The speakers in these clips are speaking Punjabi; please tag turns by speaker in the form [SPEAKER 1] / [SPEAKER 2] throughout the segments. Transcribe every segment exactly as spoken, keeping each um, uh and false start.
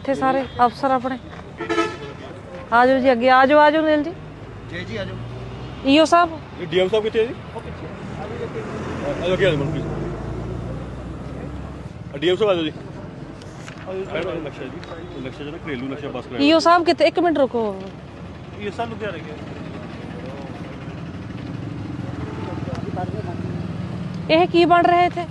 [SPEAKER 1] इत्थे सारे अफसर अपने आ जाओ जी, अगे आ जाओ, आ जाओ नील जी।
[SPEAKER 2] जी जी आ जाओ।
[SPEAKER 1] ईओ साहब,
[SPEAKER 3] डीएम साहब कितने जी? आ जाओ, क्या प्लीज डीएम साहब आ जाओ जी। नक्शा जी, नक्शा जो घरेलू नक्शा पास कराया।
[SPEAKER 1] ईओ साहब कितने, एक मिनट रुको।
[SPEAKER 3] ये सब लुधियाने के
[SPEAKER 1] ਇਹ ਕੀ ਬਣ ਰਿਹਾ ਇੱਥੇ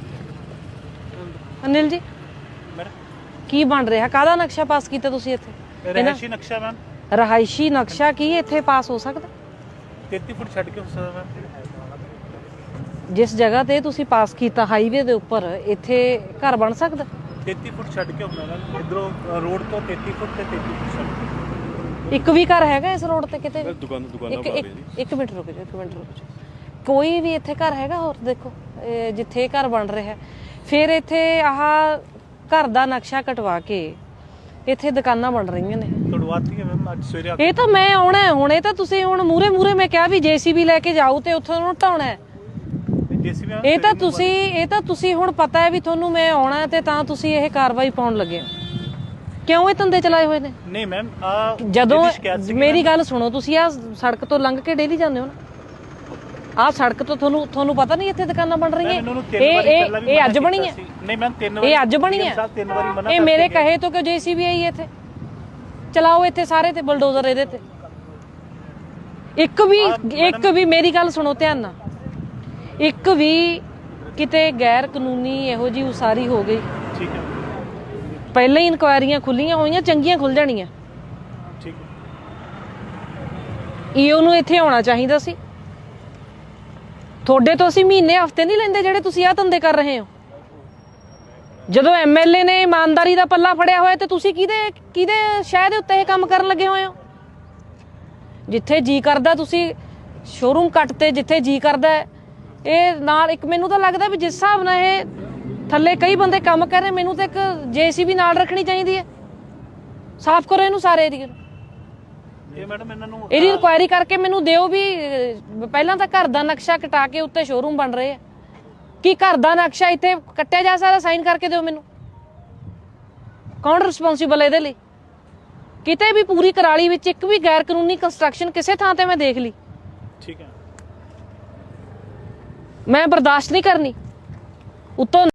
[SPEAKER 1] ਅਨਿਲ ਜੀ? ਕੀ ਬਣ ਰਿਹਾ? ਕਾਹਦਾ ਨਕਸ਼ਾ ਪਾਸ ਕੀਤਾ ਤੁਸੀਂ ਇੱਥੇ?
[SPEAKER 3] ਰਹਾਇਸ਼ੀ ਨਕਸ਼ਾ ਮੈਮ।
[SPEAKER 1] ਰਹਾਇਸ਼ੀ ਨਕਸ਼ਾ ਕੀ ਇੱਥੇ ਪਾਸ ਹੋ ਸਕਦਾ?
[SPEAKER 3] ਤੇਤੀ ਫੁੱਟ ਛੱਡ ਕੇ ਹੋ ਸਕਦਾ ਮੈਮ।
[SPEAKER 1] ਜਿਸ ਜਗ੍ਹਾ ਤੇ ਤੁਸੀਂ ਪਾਸ ਕੀਤਾ ਹਾਈਵੇ ਦੇ ਉੱਪਰ, ਇੱਥੇ ਘਰ ਬਣ ਸਕਦਾ?
[SPEAKER 3] ਤੇਤੀ ਫੁੱਟ ਛੱਡ ਕੇ ਹੁੰਦਾ ਮੈਮ, ਇਧਰੋਂ ਰੋਡ ਤੋਂ ਤੇਤੀ ਫੁੱਟ ਤੇ ਤੇਤੀ ਫੁੱਟ ਛੱਡ ਕੇ।
[SPEAKER 1] ਇੱਕ ਵੀ ਘਰ ਹੈਗਾ ਇਸ ਰੋਡ ਤੇ ਕਿਤੇ?
[SPEAKER 3] ਦੁਕਾਨ ਦੁਕਾਨਾਂ
[SPEAKER 1] ਇੱਕ
[SPEAKER 3] ਬਣਾ
[SPEAKER 1] ਇੱਕ
[SPEAKER 3] ਰਹੇ ਜੀ।
[SPEAKER 1] ਇੱਕ ਮਿੰਟ ਰੁਕ ਜਾਓ, ਇੱਕ ਮਿੰਟ ਰੁਕ ਜਾਓ। ਕੋਈ ਵੀ ਇੱਥੇ ਘਰ ਹੈਗਾ? ਹੋਰ ਦੇਖੋ ਇਹ ਜਿੱਥੇ ਇਹ ਘਰ ਬਣ ਰਿਹਾ, ਫਿਰ ਇੱਥੇ ਆਹ ਘਰ ਦਾ ਨਕਸ਼ਾ ਕਟਵਾ ਕੇ ਇੱਥੇ ਦੁਕਾਨਾਂ ਬਣ ਰਹੀਆਂ ਨੇ।
[SPEAKER 3] ਤੜਵਾਤੀ ਹੈ ਮੈਮ ਅੱਜ ਸਵੇਰੇ।
[SPEAKER 1] ਇਹ ਤਾਂ ਮੈਂ ਆਉਣਾ ਹੈ ਹੁਣ, ਇਹ ਤਾਂ ਤੁਸੀਂ ਹੁਣ ਮੂਰੇ ਮੂਰੇ ਮੈਂ ਕਿਹਾ ਵੀ ਜੇਸੀਬੀ ਲੈ ਕੇ ਜਾਓ ਤੇ ਉੱਥੋਂ ਉਹਨੂੰ ਢਾਉਣਾ ਹੈ। ਇਹ ਤਾਂ ਤੁਸੀਂ ਇਹ ਤਾਂ ਤੁਸੀਂ ਹੁਣ ਪਤਾ ਹੈ ਵੀ ਤੁਹਾਨੂੰ ਮੈਂ ਆਉਣਾ ਤੇ ਤਾਂ ਤੁਸੀਂ ਇਹ ਕਾਰਵਾਈ ਪਾਉਣ ਲੱਗੇ ਹੋ। ਕਿਉਂ ਇਹ ਧੰਦੇ ਚਲਾਏ ਹੋਏ ਨੇ?
[SPEAKER 3] ਨਹੀਂ ਮੈਮ, ਆ
[SPEAKER 1] ਜਦੋਂ ਮੇਰੀ ਗੱਲ ਸੁਣੋ, ਤੁਸੀਂ ਆ ਸੜਕ ਤੋਂ ਲੰਘ ਕੇ ਡੇਲੀ ਜਾਂਦੇ ਹੋ ਨਾ, ਆਹ ਸੜਕ ਤੋਂ ਤੁਹਾਨੂੰ ਤੁਹਾਨੂੰ ਪਤਾ ਨਹੀਂ ਇੱਥੇ ਦੁਕਾਨਾਂ ਬਣ ਰਹੀਆਂ? ਇਹ ਇਹ ਇਹ ਅੱਜ ਬਣੀ ਹੈ?
[SPEAKER 3] ਨਹੀਂ ਮੈਮ, ਤਿੰਨ ਵਾਰੀ
[SPEAKER 1] ਇਹ ਅੱਜ ਬਣੀ ਹੈ?
[SPEAKER 3] ਤਿੰਨ ਵਾਰੀ ਮਨਾ
[SPEAKER 1] ਇਹ ਮੇਰੇ ਕਹੇ ਤੋਂ ਕਿਉਂ ਜੇਸੀਬੀ ਆਈ ਇੱਥੇ? ਚਲਾਓ ਇੱਥੇ ਸਾਰੇ ਤੇ ਬਲਡੋਜ਼ਰ ਇਹਦੇ ਤੇ। ਇੱਕ ਵੀ ਇੱਕ ਵੀ ਮੇਰੀ ਗੱਲ ਸੁਣੋ ਧਿਆਨ ਨਾਲ, ਇੱਕ ਵੀ ਕਿਤੇ ਗੈਰ ਕਾਨੂੰਨੀ ਇਹੋ ਜੀ ਉਸਾਰੀ ਹੋ ਗਈ,
[SPEAKER 3] ਠੀਕ ਹੈ,
[SPEAKER 1] ਪਹਿਲਾਂ ਹੀ ਇਨਕੁਆਇਰੀਆਂ ਖੁੱਲੀਆਂ ਹੋਈਆਂ, ਚੰਗੀਆਂ ਖੁੱਲ ਜਾਣੀਆਂ।
[SPEAKER 3] ਠੀਕ ਹੈ,
[SPEAKER 1] ਈਓ ਨੂੰ ਇੱਥੇ ਆਉਣਾ ਚਾਹੀਦਾ ਸੀ। ਤੁਹਾਡੇ ਤੋਂ ਅਸੀਂ ਮਹੀਨੇ ਹਫ਼ਤੇ ਨਹੀਂ ਲੈਂਦੇ ਜਿਹੜੇ ਤੁਸੀਂ ਆਹ ਧੰਦੇ ਕਰ ਰਹੇ ਹੋ। ਜਦੋਂ ਐਮਐਲਏ ਨੇ ਇਮਾਨਦਾਰੀ ਦਾ ਪੱਲਾ ਫੜਿਆ ਹੋਇਆ ਤੇ ਤੁਸੀਂ ਕਿਹਦੇ ਕਿਹਦੇ ਸ਼ਹਿਰ ਦੇ ਉੱਤੇ ਇਹ ਕੰਮ ਕਰਨ ਲੱਗੇ ਹੋਏ ਹੋ? ਜਿੱਥੇ ਜੀ ਕਰਦਾ ਤੁਸੀਂ ਸ਼ੋਰੂਮ ਕੱਟ ਤੇ, ਜਿੱਥੇ ਜੀ ਕਰਦਾ ਇਹ ਨਾਲ। ਇੱਕ ਮੈਨੂੰ ਤਾਂ ਲੱਗਦਾ ਵੀ ਜਿਸ ਹਿਸਾਬ ਨਾਲ ਇਹ ਥੱਲੇ ਕਈ ਬੰਦੇ ਕੰਮ ਕਰ ਰਹੇ, ਮੈਨੂੰ ਤਾਂ ਇੱਕ ਜੇਸੀਬੀ ਨਾਲ ਰੱਖਣੀ ਚਾਹੀਦੀ ਹੈ। ਸਾਫ਼ ਕਰੋ ਇਹਨੂੰ ਸਾਰੇ ਏਰੀਏ ਨੂੰ।
[SPEAKER 3] ਇਹ ਮੈਡਮ ਇਹਨਾਂ ਨੂੰ
[SPEAKER 1] ਇਹਦੀ ਇਨਕੁਆਇਰੀ ਕਰਕੇ ਮੈਨੂੰ ਦਿਓ ਵੀ ਪਹਿਲਾਂ ਤਾਂ ਘਰ ਦਾ ਨਕਸ਼ਾ ਕਟਾ ਕੇ ਉੱਤੇ ਸ਼ੋਰੂਮ ਬਣ ਰਹੇ ਆ, ਕੀ ਘਰ ਦਾ ਨਕਸ਼ਾ ਇੱਥੇ ਕੱਟਿਆ ਜਾ ਸਕਦਾ? ਸਾਈਨ ਕਰਕੇ ਦਿਓ ਮੈਨੂੰ। ਕੌਣ ਰਿਸਪੌਂਸੀਬਲ ਇਹਦੇ ਲਈ? ਕਿਤੇ ਵੀ ਪੂਰੀ ਕਰਾਲੀ ਵਿੱਚ ਇੱਕ ਵੀ ਗੈਰ ਕਾਨੂੰਨੀ ਕੰਸਟਰਕਸ਼ਨ ਕਿਸੇ ਥਾਂ ਤੇ ਮੈਂ ਦੇਖ ਲਈ,
[SPEAKER 3] ਠੀਕ ਹੈ,
[SPEAKER 1] ਮੈਂ ਬਰਦਾਸ਼ਤ ਨਹੀਂ ਕਰਨੀ। ਉੱਤੋਂ